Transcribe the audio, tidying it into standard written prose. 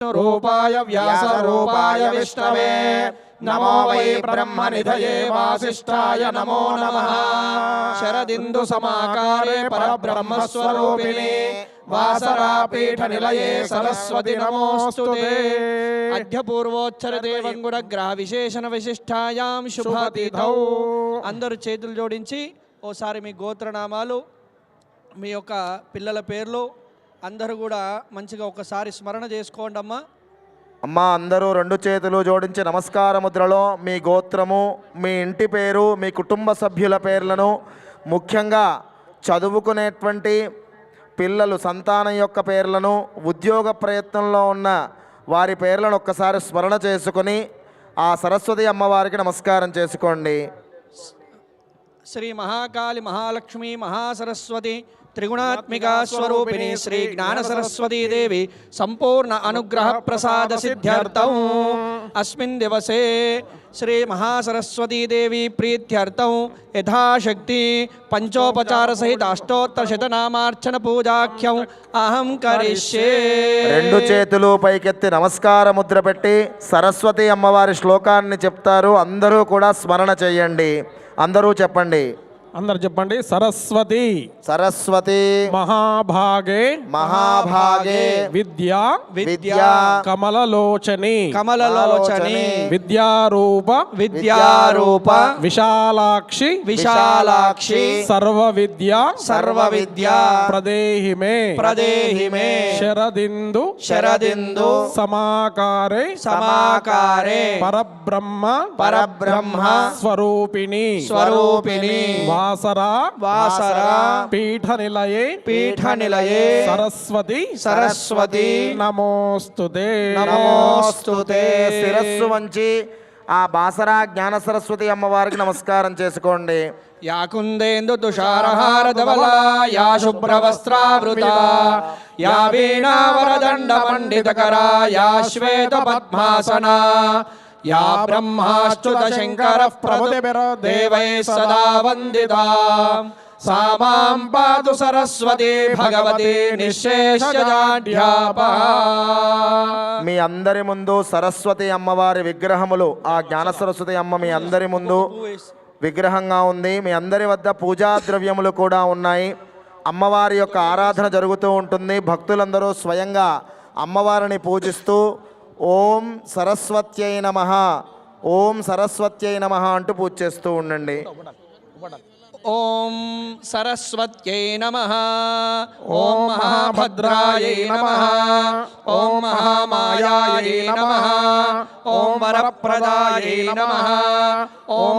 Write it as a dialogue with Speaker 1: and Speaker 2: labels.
Speaker 1: रूपाय व्यासरूपाय विष्णवे नमो वै ब्रह्मनिधये वासिष्ठाय नमो नमः। शरदिन्दु समाकारे परब्रह्मस्वरूपिणे वासरापीठनिलये सरस्वती नमोस्तुते। अद्य पूर्वोच्चर देवंगुणग्रह विशेषण विशिष्टायां शुभतिथौ अंदरू చేతులు జోడించి ఓసారి మీ గోత్రనామాలు మీ యొక్క పిల్లల పేర్లు అందరూ కూడా మంచిగా ఒకసారి స్మరణ చేసుకోండి అమ్మా.
Speaker 2: అమ్మా అందరూ రెండు చేతులు జోడించి నమస్కార ముద్రలో మీ గోత్రము, మీ ఇంటి పేరు, మీ కుటుంబ సభ్యుల పేర్లను, ముఖ్యంగా చదువుకునేటువంటి పిల్లలు సంతానం యొక్క పేర్లను, ఉద్యోగ ప్రయత్నంలో ఉన్న వారి పేర్లను ఒక్కసారి స్మరణ చేసుకొని ఆ సరస్వతి అమ్మవారికి నమస్కారం చేసుకోండి.
Speaker 1: శ్రీ మహాకాళి మహాలక్ష్మి మహాసరస్వతి त्रिगुणात्मिका स्वरूपिणी श्री ज्ञान सरस्वती देवी संपूर्ण अनुग्रह प्रसाद सिद्ध्यर्थं अस्मिन् दिवसे श्री महासरस्वती देवी प्रीत्यर्थं यथाशक्ति पंचोपचार सहित अष्टोत्तर शतनामार्चन पूजाख्यं अहं करिष्ये.
Speaker 2: రెండు చేతులు పైకెత్తి నమస్కార ముద్ర పెట్టి సరస్వతి అమ్మవారి శ్లోకాన్ని చెప్తారు. అందరూ కూడా స్మరణ చేయండి. అందరూ చెప్పండి.
Speaker 3: అందరు చెప్పండి. సరస్వతి
Speaker 2: సరస్వతి
Speaker 3: మహాభాగే
Speaker 2: మహాభాగే
Speaker 3: విద్యా
Speaker 2: విద్యా
Speaker 3: కమలలోచని
Speaker 1: కమలలోచని
Speaker 3: విద్యారూప
Speaker 1: విద్యారూప
Speaker 3: విశాలాక్షి
Speaker 1: విశాలాక్షి
Speaker 3: సర్వ విద్యా
Speaker 1: ప్రదేహి మే
Speaker 3: శరదిందు సమాకారే పరబ్రహ్మ స్వరూపిణి వాసరా పీఠ నిలయే సరస్వతి నమోస్తుతే.
Speaker 2: శిరస్సు వంచి ఆ బాసరా జ్ఞాన సరస్వతి అమ్మవారికి నమస్కారం చేసుకోండి.
Speaker 1: యా కుందేందు తుషారహార ధవలా యా శుభ్రవస్త్రావృత యా వీణావరదండ పండితకరా యా శ్వేత పద్మాసనా या ब्रह्माच्युत शंकरः प्रभुतिर्देवैः सदा वन्दिता सा मां पातु सरस्वती भगवती निःशेषजाढ्यापः.
Speaker 2: మీ అందరి ముందు సరస్వతి అమ్మవారి విగ్రహములు, ఆ జ్ఞాన సరస్వతి అమ్మ మీ అందరి ముందు విగ్రహంగా ఉంది. మీ అందరి వద్ద పూజా ద్రవ్యములు కూడా ఉన్నాయి. అమ్మవారి యొక్క ఆరాధన జరుగుతూ ఉంటుంది. భక్తులందరూ స్వయంగా అమ్మవారిని పూజిస్తూ ఓం సరస్వత్యై నమః, ఓం సరస్వత్యై నమః అంటూ పూజ చేస్తూ ఉండండి.
Speaker 1: ఓం సరస్వత్యై నమః, ఓం మహాభద్రాయై నమః, ఓం మహామాయాయై నమః, ఓం వరప్రదాయై నమః, ఓం